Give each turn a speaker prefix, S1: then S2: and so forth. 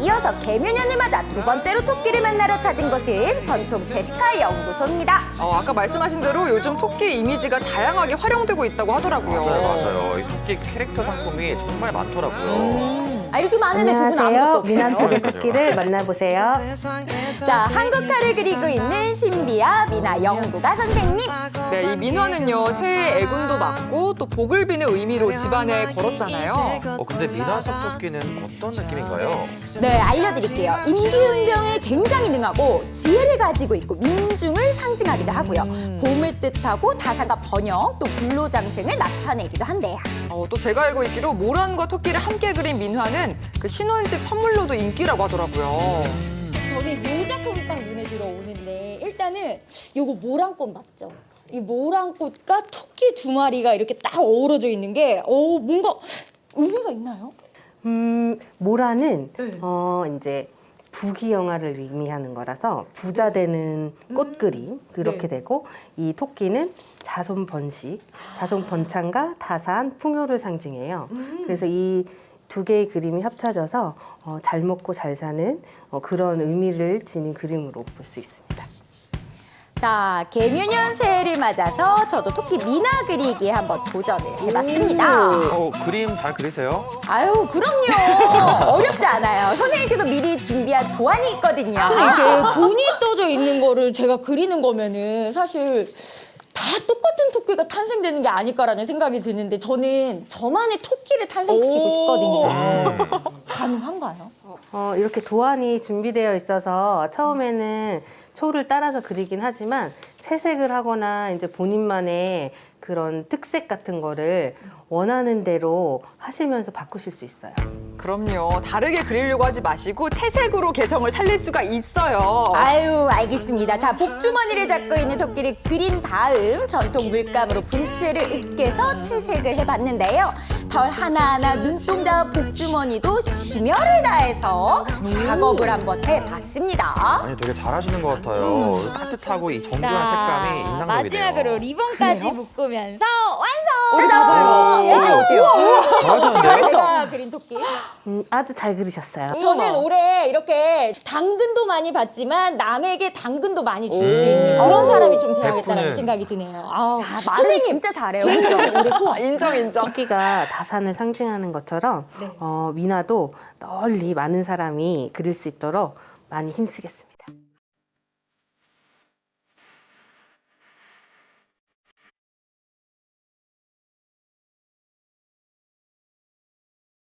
S1: 이어서 개묘년을 맞아 두 번째로 토끼를 만나러 찾은 곳은 전통 제시카 연구소입니다.
S2: 아까 말씀하신 대로 요즘 토끼 이미지가 다양하게 활용되고 있다고 하더라고요.
S3: 맞아요. 이 토끼 캐릭터 상품이 정말 많더라고요.
S1: 이렇게 많은데 두 분 아무것도 없어요.
S4: 미나토끼 토끼를 만나보세요.
S1: 자, 한국 탈을 그리고 있는 신비아 미나 연구가 선생님.
S2: 네, 이 민화는요, 새해 애군도 맞고 또 복을 비는 의미로 집안에 걸었잖아요.
S3: 근데 미나석 토끼는 어떤 느낌인가요?
S1: 네, 알려드릴게요. 임기응변에 굉장히 능하고 지혜를 가지고 있고 민중을 상징하기도 하고요. 봄을 뜻하고 다산과 번영, 또 불로장생을 나타내기도 한대요.
S2: 또 제가 알고 있기로 모란과 토끼를 함께 그린 민화는 그 신혼집 선물로도 인기라고 하더라고요.
S1: 저는 이 작품이 딱 눈에 들어오는데 일단은 요거 모란꽃 맞죠? 이 모란꽃과 토끼 두 마리가 이렇게 딱 어우러져 있는 게 뭔가 의미가 있나요?
S4: 모라는 이제 부귀영화를 의미하는 거라서 부자 되는 꽃 그림 그렇게 되고, 이 토끼는 자손 번식, 자손 번창과 다산, 풍요를 상징해요. 그래서 이 두 개의 그림이 합쳐져서 잘 먹고 잘 사는 그런 의미를 지닌 그림으로 볼 수 있습니다.
S1: 자, 개묘년 새해를 맞아서 저도 토끼 미나 그리기에 한번 도전을 해봤습니다.
S3: 그림 잘 그리세요?
S1: 아유, 그럼요. 어렵지 않아요. 선생님께서 미리 준비한 도안이 있거든요.
S5: 이게 본이 떠져 있는 거를 제가 그리는 거면은 사실 다 똑같은 토끼가 탄생되는 게 아닐까라는 생각이 드는데 저는 저만의 토끼를 탄생시키고 싶거든요. 가능한가요?
S4: 이렇게 도안이 준비되어 있어서 처음에는 초를 따라서 그리긴 하지만 채색을 하거나 이제 본인만의 그런 특색 같은 거를 원하는 대로 하시면서 바꾸실 수 있어요.
S2: 그럼요. 다르게 그리려고 하지 마시고 채색으로 개성을 살릴 수가 있어요.
S1: 아유, 알겠습니다. 자, 복주머니를 잡고 있는 토끼를 그린 다음 전통 물감으로 분체를 으깨서 채색을 해봤는데요. 털 하나하나, 눈동자와 복주머니도 심혈을 다해서 작업을 한번 해봤습니다.
S3: 아니, 되게 잘하시는 것 같아요. 따뜻하고 이 정교한 색감이 인상적이네요.
S5: 마지막으로 리본까지 묶으면서 완성!
S1: 짜잔! 어때요?
S3: 잘하셨는데요?
S1: 잘했죠?
S5: 제가 그린 토끼.
S4: 아주 잘 그리셨어요.
S5: 저는 올해 이렇게 당근도 많이 받지만 남에게 당근도 많이 줄 수 있는 그런 사람이 좀 돼야겠다는
S3: 백분은.
S5: 생각이 드네요. 아우,
S1: 말은 진짜 잘해요. 그렇죠?
S2: 인정.
S4: 토끼가 다산을 상징하는 것처럼 미나도 널리 많은 사람이 그릴 수 있도록 많이 힘쓰겠습니다.